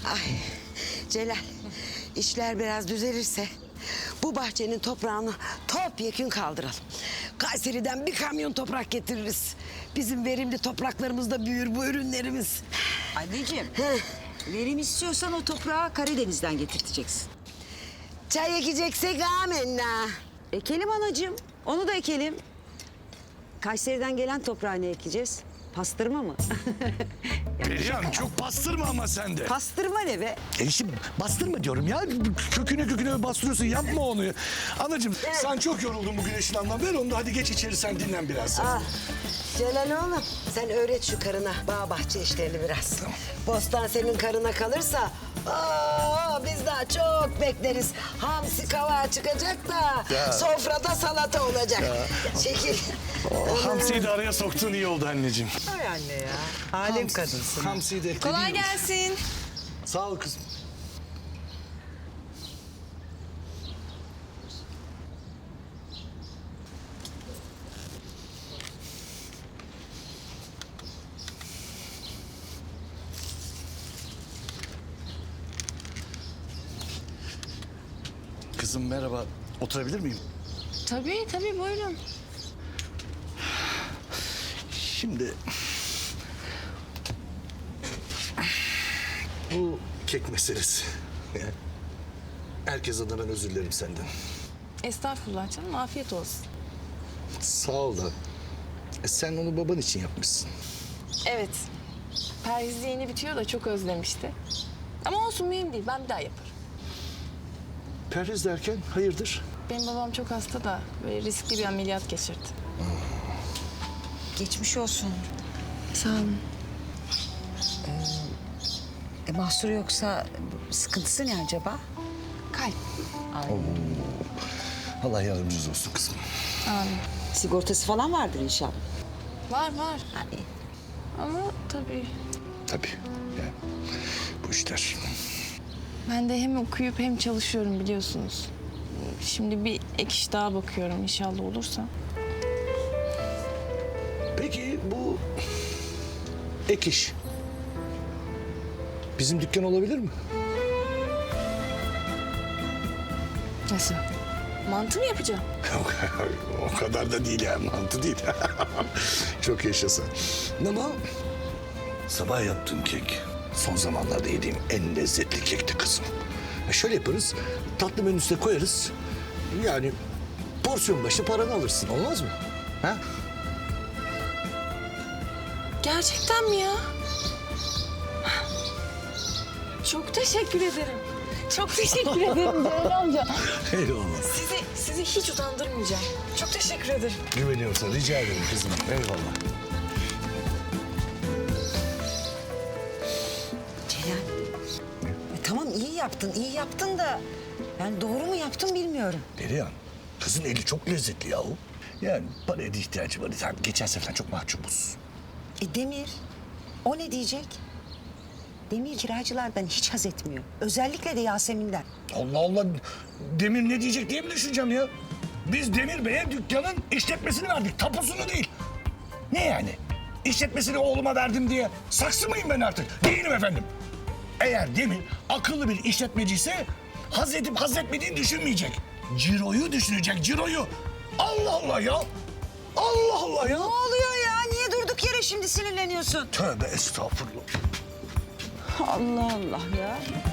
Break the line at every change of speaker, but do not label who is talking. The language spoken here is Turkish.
Ay Celal, işler biraz düzelirse bu bahçenin toprağını topyekün kaldıralım. Kayseri'den bir kamyon toprak getiririz. Bizim verimli topraklarımızda büyür bu ürünlerimiz.
Anneciğim, verim istiyorsan o toprağı Karadeniz'den getirteceksin.
Çay ekeceksek amenna.
Ekelim anacığım, onu da ekelim. Kayseri'den gelen toprağı ne ekeceğiz? Pastırma mı?
Perihan çok bastırma ama sen de.
Pastırma ne be?
Enişte bastırma diyorum ya. Köküne bastırıyorsun, yapma onu. Anacığım sen çok yoruldun bugün işlemden. Ver onu da hadi geç içeri, sen dinlen biraz.
Ah, Celal oğlum sen öğret şu karına bağ bahçe işlerini biraz.
Tamam.
Bostan senin karına kalırsa biz daha çok bekleriz. Hamsi kavağı çıkacak da
Ya.
sofrada salata olacak. Çekil.
Hamsi'yi de araya soktuğun iyi oldu anneciğim.
Ay anne ya. Alem kadınsın.
Hamsi'yi de ekledin.
Kolay gelsin.
Sağ ol kızım. Kızım merhaba. Oturabilir miyim?
Tabii buyurun.
Şimdi... Bu kek meselesi. Yani herkes adına ben özür dilerim senden.
Estağfurullah canım, afiyet olsun.
Sağ ol da. Sen onu baban için yapmışsın.
Evet, perhiz yeni bitiyor da çok özlemişti. Ama olsun, mühim değil, ben bir daha yaparım.
Perhiz derken hayırdır?
Benim babam çok hasta da böyle riskli bir ameliyat geçirdi.
Geçmiş olsun.
Sağ olun.
Mahsuru yoksa sıkıntısı ne acaba?
Kalp.
Allah yardımcınız olsun kızım.
Amin.
Sigortası falan vardır inşallah.
Var.
Hani
Ama tabii
Tabii. Yani bu işler.
ben de hem okuyup hem çalışıyorum biliyorsunuz. Şimdi bir ek iş daha bakıyorum inşallah olursa.
Peki bu ek iş bizim dükkan olabilir mi?
Nasıl? Mantı mı yapacağım?
O kadar da değil yani, mantı değil. Çok yaşasın. Ama sabah yaptığım kek son zamanlarda yediğim en lezzetli kekti kızım. Şöyle yaparız, tatlı menüsüne koyarız. Yani porsiyon başı paranı alırsın, olmaz mı? Ha?
Gerçekten mi ya? Çok teşekkür ederim. Çok teşekkür ederim Celal amca.
Eyvallah.
Sizi hiç utandırmayacağım. Çok teşekkür ederim.
Güveniyorum sana, rica ederim kızım. Eyvallah.
Celal. Tamam iyi yaptın da... Yani doğru mu yaptın bilmiyorum.
Perihan, kızın eli çok lezzetli yahu. Yani paraya da ihtiyacı var. Yani geçen sefer çok mahcubuz.
Demir, o ne diyecek? Demir kiracılardan hiç haz etmiyor. Özellikle de Yasemin'den.
Allah Allah, Demir ne diyecek diye mi düşüneceğim ya? Biz Demir Bey'e dükkanın işletmesini verdik, tapusunu değil. Ne yani? İşletmesini oğluma verdim diye saksı mıyım ben artık? Değilim efendim. Eğer Demir akıllı bir işletmeciyse haz edip haz etmediğini düşünmeyecek. Ciroyu düşünecek, ciroyu. Allah Allah ya. Allah Allah ya.
Ne oluyor ya? Niye durduk yere şimdi sinirleniyorsun?
Tövbe estağfurullah.
Allah Allah ya.